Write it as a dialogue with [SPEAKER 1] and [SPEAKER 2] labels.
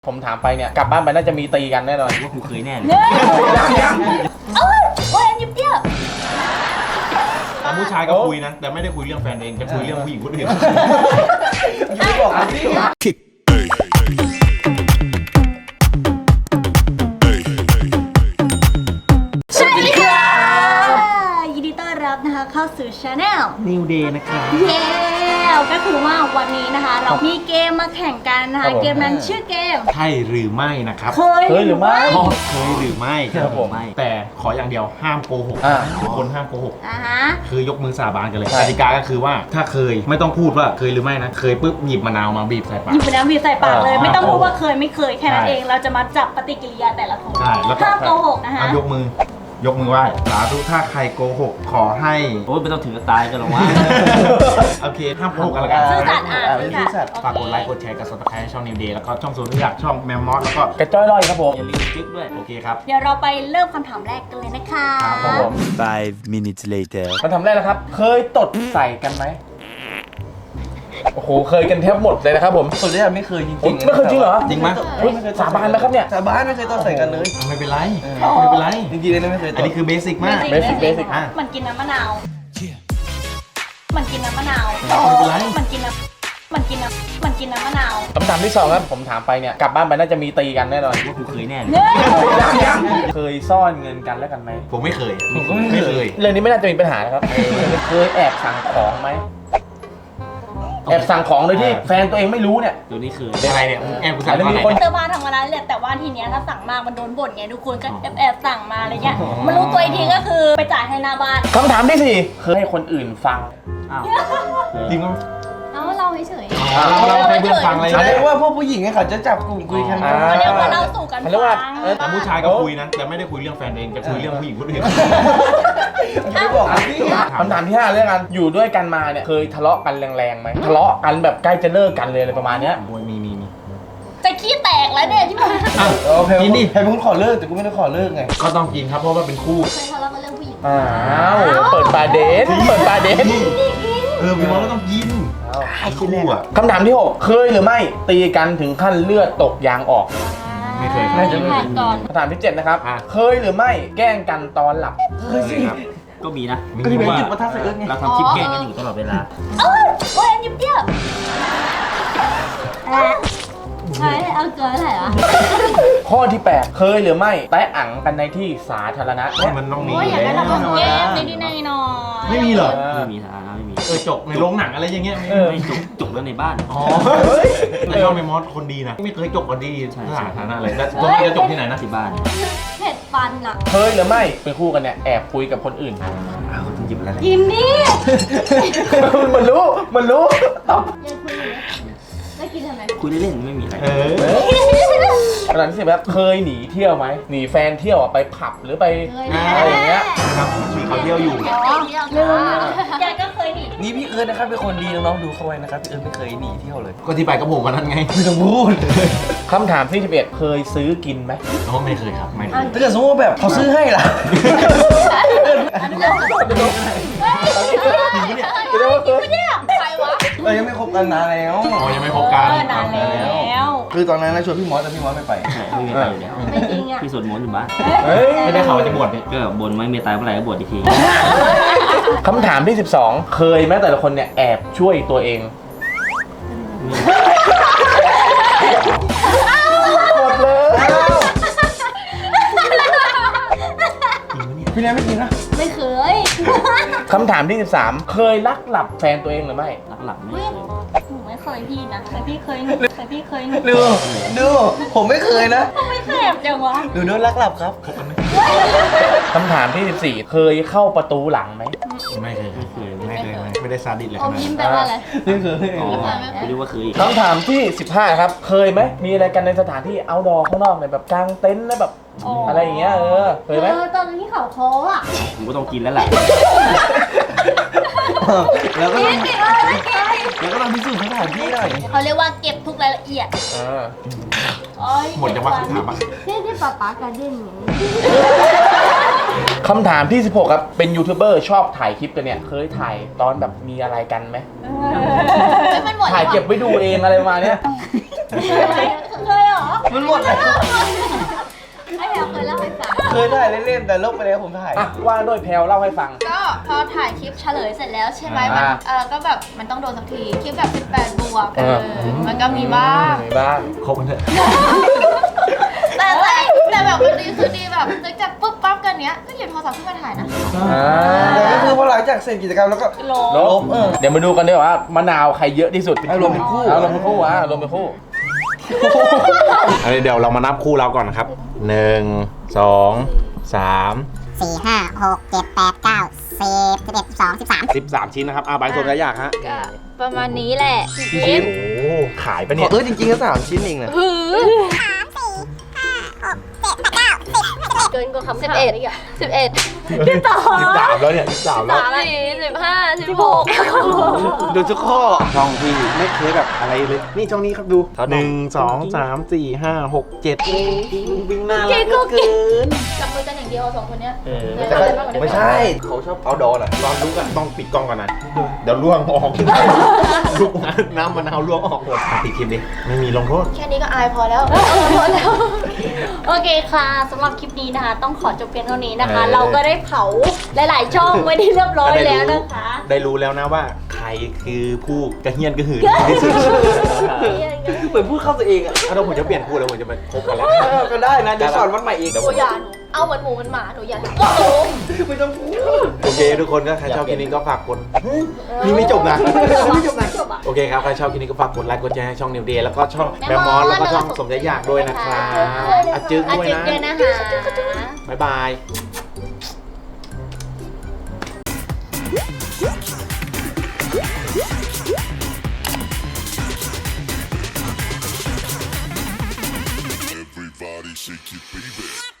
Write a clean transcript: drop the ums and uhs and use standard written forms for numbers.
[SPEAKER 1] ผมถามไปเนี่ยกลับบ้านไปน่าจะมีตีกันแน่นอน
[SPEAKER 2] ว่ากูเคยแน่เลย
[SPEAKER 3] โอ้ยยิบเดียว
[SPEAKER 2] ผู้ชายก็คุยนะแต่ไม่ได้คุยเรื่องแฟนเองจะคุยเรื่องผู้หญิงคนอื่น
[SPEAKER 1] อย่าบอกอันนี้
[SPEAKER 3] สวัสดีค่ะยินดีต้อนรับนะคะเข้าสู่ Channel
[SPEAKER 2] New Day นะครับ
[SPEAKER 3] เย้ก็คือว่าวันนี้นะคะเรามีเกมมาแข่งกันนะคะเกมนั้นชื่อเกม
[SPEAKER 2] ใช่หรือไม่นะครับ
[SPEAKER 3] เคย
[SPEAKER 1] หรือไม่
[SPEAKER 2] เคยหรือไม่ครับผมแต่ขออย่างเดียวห้ามโกหกทุกคนห้ามโกหกคือยกมือสาบานกันเลยกติกาก็คือว่าถ้าเคยไม่ต้องพูดว่าเคยหรือไม่นะเคยปุ๊บหยิบมะนาวมาบีบใส่ปาก
[SPEAKER 3] หยิบมะนาวบีบใส่ปากเลยไม่ต้องพูดว่าเคยไม่เคยแค่นั้นเองเราจะมาจับปฏิกิริยาแต่ละคนห้ามโกหกนะคะ
[SPEAKER 2] ยกมือไหว้สาธุถ้าใครโกหกขอให้
[SPEAKER 4] โอ้ยไม่ต้องถึงกับตายกันหรอกวะ
[SPEAKER 2] โอเคห้ามโกหกกันละกัน
[SPEAKER 3] ซื่อสัตย์ซื่อสัตย์
[SPEAKER 2] ฝากกดไลค์กดแชร์กับซับสไครต์ช่อง New Day แล้วก็ช่องโซนที่อยากช่องแมมมอสแล้วก็
[SPEAKER 1] กระจ้อยลอยครับผม
[SPEAKER 4] อย่าลืมจิ๊กด้วย
[SPEAKER 2] โอเคครับ
[SPEAKER 3] เดี๋ยวเราไปเริ่มคำถามแรกกันเลยนะคะ
[SPEAKER 1] ครับผม
[SPEAKER 5] 5 minutes later
[SPEAKER 1] คำถามแรกนะครับเคยตดใส่กันไหมโอ้โหเคยกันแทบหมดเลยนะครับผม
[SPEAKER 6] ส่วนใหญ่ไม่เคยจริงๆ
[SPEAKER 1] ไม่เคยจริงเหรอ
[SPEAKER 2] จริงไหม
[SPEAKER 1] สาบานไหมครับเนี่ย
[SPEAKER 6] สาบานไม่เคยตอนใส่กันเลย
[SPEAKER 2] ไม่เป็นไรไม่เป็นไร
[SPEAKER 6] จริงๆเลยไม่เคย
[SPEAKER 2] อันนี้คือเบสิกมาก
[SPEAKER 1] เบสิก
[SPEAKER 3] มันกินน้ำมะนาวมันกินน้ำมะนาวมันกินน้ำมะนาว
[SPEAKER 1] คำถามที่2ครับผมถามไปเนี่ยกลับบ้านไปน่าจะมีตีกันแน่นอน
[SPEAKER 4] ว่ากูเคยแน่เลย
[SPEAKER 1] เคยซ่อนเงินกันแล้วกันไหม
[SPEAKER 2] ผมไม่เคยเ
[SPEAKER 1] รื่องนี้ไม่น่าจะมีปัญหานะครับเคยแอบสั่งของไหมแอบสั่งของโดยที่แฟนตัวเองไม่รู้เนี่ย
[SPEAKER 4] ตัวนี้คือ
[SPEAKER 2] อะไรเนี่ยแอบกูสั่ง
[SPEAKER 3] อะไรเติมมาทำอะไรเลยแต่ว่าทีเนี้ยถ้าสั่งมากมันโดนบ่นไงทุกคนก็แอบสั่งมาอะไรเงี้ยมันรู้ตัวอีกทีก็คือไปจ่ายให้หน้าบ้าน
[SPEAKER 1] คำถามที่4เคยให้คนอื่นฟัง
[SPEAKER 2] จริงไหม
[SPEAKER 3] เราเฉย
[SPEAKER 2] เราให้เพื่อนฟังอะไร
[SPEAKER 6] แสดงว่าพวกผู้หญิงเขาจะจับกลุ่มคุยกัน
[SPEAKER 3] เขาเรียกว่าเราสู่กันฟัง
[SPEAKER 2] แต่ผู้ชายก็คุยนะแต่ไม่ได้คุยเรื่องแฟนเองจะคุยเรื่องผู้หญิงคนอื่น
[SPEAKER 6] ไม่บอกอันนี้
[SPEAKER 1] คำถามที่5เรื่องกันอยู่ด้วยกันมาเนี่ยเคยทะเลาะกันแรงๆไหมทะเลาะกันแบบใกล้จะเลิกกันเลยอะไรประมาณเนี้ย
[SPEAKER 2] มี
[SPEAKER 3] จะขี้แตกแล้วเนี่ยที่มัน
[SPEAKER 6] โอเคกินดิใครเป็นคนขอเลิกแต่กูไม่ได้ขอเลิกไง
[SPEAKER 2] ก็ต้องกินครับเพราะว่าเป็นคู่
[SPEAKER 3] เคยทะเลาะกันเรื่องผู้หญิง
[SPEAKER 1] เปิดปาเดท
[SPEAKER 2] พี่มอสก็ต้องกินไอ้คู่อ่ะ
[SPEAKER 1] คำถามที่6เคยหรือไม่ตีกันถึงขั้นเลือดตกยางออก
[SPEAKER 2] ไม่เคย
[SPEAKER 3] ก่อน
[SPEAKER 1] คำถามที่7นะครับเคยหรือไม่แกล้งกันตอนหลับ
[SPEAKER 2] เคยสิ
[SPEAKER 4] ก็มีนะ
[SPEAKER 6] ก็ที่เป็นจุดประทับใส่เอิร์ธไง
[SPEAKER 4] เราทำคลิปแกล้งกันอยู่ตลอดเวลา
[SPEAKER 3] โอ้ยยิบเดียวใช่เอาเกินอะไรวะ
[SPEAKER 1] ข้อที่8เคยหรือไม่แตะอังกันในที่สาธารณะ
[SPEAKER 2] มันต้องมี
[SPEAKER 3] อย่างนั้นเราต้องแก้นิดหน่อย
[SPEAKER 2] ไม่มีเหรอ
[SPEAKER 4] ไม่มีสาธารณะไม่มี
[SPEAKER 2] จกในโรงหนังอะไรอย่างเงี้ย
[SPEAKER 4] ไม่จกแล้วในบ้าน
[SPEAKER 2] แต่ชอบในมอสคนดีนะไม่เคยจกคนดีสาธารณะเลยแล้วตัวนี้จะจกที่ไหนนะ
[SPEAKER 4] ที่บ้าน
[SPEAKER 3] เผ็ดฟันอ่ะ
[SPEAKER 1] เคยหรือไม่เป็นคู่กันเนี่ยแอบคุยกับคนอื่น
[SPEAKER 2] เขาต้องหยิบอะไร
[SPEAKER 3] กินนี่
[SPEAKER 1] มันรู้
[SPEAKER 3] ยังคุยอยู่ไม่กินทำไม
[SPEAKER 4] คุยเล่นๆไม่มีอะไร
[SPEAKER 1] ขนาดที่10แบบเคยหนีเที่ยวไหมหนีแฟนเที่ยวไปผับหรือไปอะไรอย่างเงี้ย
[SPEAKER 2] ครับมีเขาเที่ยวอยู่
[SPEAKER 3] แกก็เคยหนี
[SPEAKER 6] นี่พี่เอิร์ธนะครับเป็นคนดีน้องๆดูเข้าไว้นะครับพี่เอิร์ธไม่เคยหนีเที่ยวเลย
[SPEAKER 2] ก็ที่ไปกับผมวันนั้นไง
[SPEAKER 6] ไม่ต้องพูด
[SPEAKER 1] คำถามที่11เคยซื้อกินไหม
[SPEAKER 2] ไม่เคยครับไม่เคย
[SPEAKER 6] ถ้าเกิดสมมติว่าแบบเขาซื้อให้ล่ะ
[SPEAKER 3] ใครวะ
[SPEAKER 6] ยังไม่คบกันนานแล้ว
[SPEAKER 2] ยังไม่คบกัน
[SPEAKER 3] นานแล้ว
[SPEAKER 6] คือตอนนั้นนะชวนพี่มอสแต่พี่มอสไม่ไป
[SPEAKER 4] ไม่มีไปอยู่แล้ว
[SPEAKER 3] ไม่จริงอ่ะ
[SPEAKER 4] พี่สวดมนต์อยู่บ้าน
[SPEAKER 2] ไม่ได้ข่าวจะบวชเนี่ย
[SPEAKER 4] ก็บนไว้เมตตาเมื่อไหร่ก็บวชอีกที
[SPEAKER 1] คำถามที่12เคยไหมแต่ละคนเนี่ยแอบช่วยตัวเองหมดเลย
[SPEAKER 6] พี่แนนไม่จริงนะ
[SPEAKER 3] ไม่เคย
[SPEAKER 1] คำถามที่13เคยลักหลับแฟนตัวเองหรือไม่
[SPEAKER 4] ลักหลับไม่เคย
[SPEAKER 3] หนูไม่เคยพี่นะแต่พี่เคย
[SPEAKER 6] ดูผมไม่เคยนะ
[SPEAKER 3] ไม่เคยจังวะ
[SPEAKER 6] ดูโดนลักหลับครับ
[SPEAKER 1] คำถามที่14เคยเข้าประตูหลังไหม
[SPEAKER 2] ไม่เคยไม่ได้ซาดิสเลย
[SPEAKER 3] ยิ้มแปลว่าอะไร
[SPEAKER 6] ไม่เคย
[SPEAKER 4] ไม่รู้ว่าเคย
[SPEAKER 1] คำถามที่15ครับเคยไหมมีอะไรกันในสถานที่เอาท์ดอร์ข้างนอกเนี่ยแบบกางเต็นท์แล้วแบบอะไรอย่างเงี้ยเคยไหม
[SPEAKER 3] ตอนที่เขาโค้อ่ะ
[SPEAKER 4] ผมก็ต้องกินแล้วแหละ
[SPEAKER 6] แล้วก็ต้องพิสูจน์สถานที่หน่อย
[SPEAKER 3] เขาเรียกว่าเก็บทุกรายละเอียด
[SPEAKER 2] หมดจังหวะคำถามอ่ะ
[SPEAKER 3] ที่ป๊าการเด่น
[SPEAKER 1] คำถามที่16ครับเป็นยูทูบเบอร์ชอบถ่ายคลิปกันเนี่ยเคยถ่ายตอนแบบมีอะไรกันไหมถ่ายเก็บไว้ดูเองอะไรมาเนี้ย
[SPEAKER 3] เคยเหรอ
[SPEAKER 6] มันหมดแล้ว
[SPEAKER 7] ไอ้แพลวเคยเล่าให้ฟัง
[SPEAKER 6] เคยถ่ายเล่นๆแต่ลบไปแล้วผมถ่าย
[SPEAKER 1] อ่ะว่าด้วยแพลวเล่าให้ฟัง
[SPEAKER 7] ก็พอถ่ายคลิปเฉลยเสร็จแล้วใช่ไหม
[SPEAKER 1] อ่า
[SPEAKER 7] มันก็แบบมันต้องโดนสักทีคลิปแบบ18บวกมันก็มีบ้าง
[SPEAKER 1] มีบ้าง
[SPEAKER 2] คบกันเถอะ
[SPEAKER 7] แต่แบบวันดีคือดีแบบนึกจากปุ๊บปั๊บกันเนี้ยก็หยิบโทรศัพท์ขึ้นมาถ่ายนะ
[SPEAKER 6] แต่ก็คือพอหลังจากเสร็จกิจกรรมแล้วก็
[SPEAKER 1] ลบเดี๋ยวมาดูกันดีกว่ามะนาวใครเยอะที่สุด
[SPEAKER 6] ให้รวมเป็นคู่
[SPEAKER 1] เอารวมเป็นคู่อ่ะรวมเป็นคู่
[SPEAKER 2] เดี๋ยวเรามานับคู่เราก่อนนะครับ 1 2 3
[SPEAKER 8] 4 5 6 7 8 9 10 11 12 13
[SPEAKER 2] 13 ชิ้นนะครับใบสมระยะฮะ
[SPEAKER 7] ก็ประมาณนี้แหละ
[SPEAKER 2] กี่ชิ้นโอ้ขายปะเนี่ย
[SPEAKER 6] จริงๆก็3 ชิ้นเองนะ
[SPEAKER 7] เกินกว่าคำ11อีกอ่ะ11
[SPEAKER 2] 13แล้วเนี่ย13แล้ว
[SPEAKER 7] 15 16
[SPEAKER 6] ดูทุกข้อ
[SPEAKER 2] ช่องที่ไม่เคยแบบอะไรเลย นี่ช่องนี้ครับดู 1 2 3 4 5 6 7วิ่งหน้ารักเหลือเกิน
[SPEAKER 7] จับมือกันอย่างเดียวสองคนเนี้ย
[SPEAKER 6] แต่ก็ไม่ใช่เขาชอบเอาดอน่ะ
[SPEAKER 2] ตอนลุกอะต้องปิดกล้องก่อนนะ เดี๋ยวล่วงออกลุกนะน้ำมะนาวล่วงออกหมดปิดคลิปดิไม่มีลงโทษ
[SPEAKER 7] แค่นี้ก็อายพอแล้วพอแล้ว
[SPEAKER 3] โอเคค่ะสำหรับคลิปนี้นะคะ ต้องขอจบเพียงเท่านี้นะคะ เราก็ได้เผาหลายๆช่องไว้ที่เรียบร้อยแล้วนะคะ
[SPEAKER 2] ได้รู้แล้วนะว่าใครคือผู้กระเฮียนกระหืนที่สุด
[SPEAKER 6] เหมือนพูดเข้าตัวเองอ่ะ
[SPEAKER 2] ถ้าผมจะเปลี่ยนคู่แล้วผมจะมาคบกันแล้ว
[SPEAKER 6] ก็ได้นะเดี๋ยวสอนวันใหม่อีก
[SPEAKER 2] เดี๋ยว
[SPEAKER 7] ห
[SPEAKER 2] ผ
[SPEAKER 7] นู
[SPEAKER 2] ม
[SPEAKER 7] อย่าหนูเอาเหมือนหมูเหมือนหมาหนูอย่าโอ้โห
[SPEAKER 6] ไม่ต้องพูด
[SPEAKER 2] โอเคทุกคนก็ใครชอบคลิปนี้ก็ฝากกดนี่ไม่จบนะไม่จบนะโอเคครับใครชอบคลิปนี้ก็ฝากกดไลค์กดแชร์ให้ช่องนิวเดย์แล้วก็ช่องแมมมอสแล้วก็ช่องสมใจอยากด้วยนะครับอาจึ๊กด้วย
[SPEAKER 3] อา
[SPEAKER 2] นะ
[SPEAKER 3] จึ๊กด้วยนะคะ
[SPEAKER 2] บ๊ายบาย
[SPEAKER 9] Everybody shake your baby.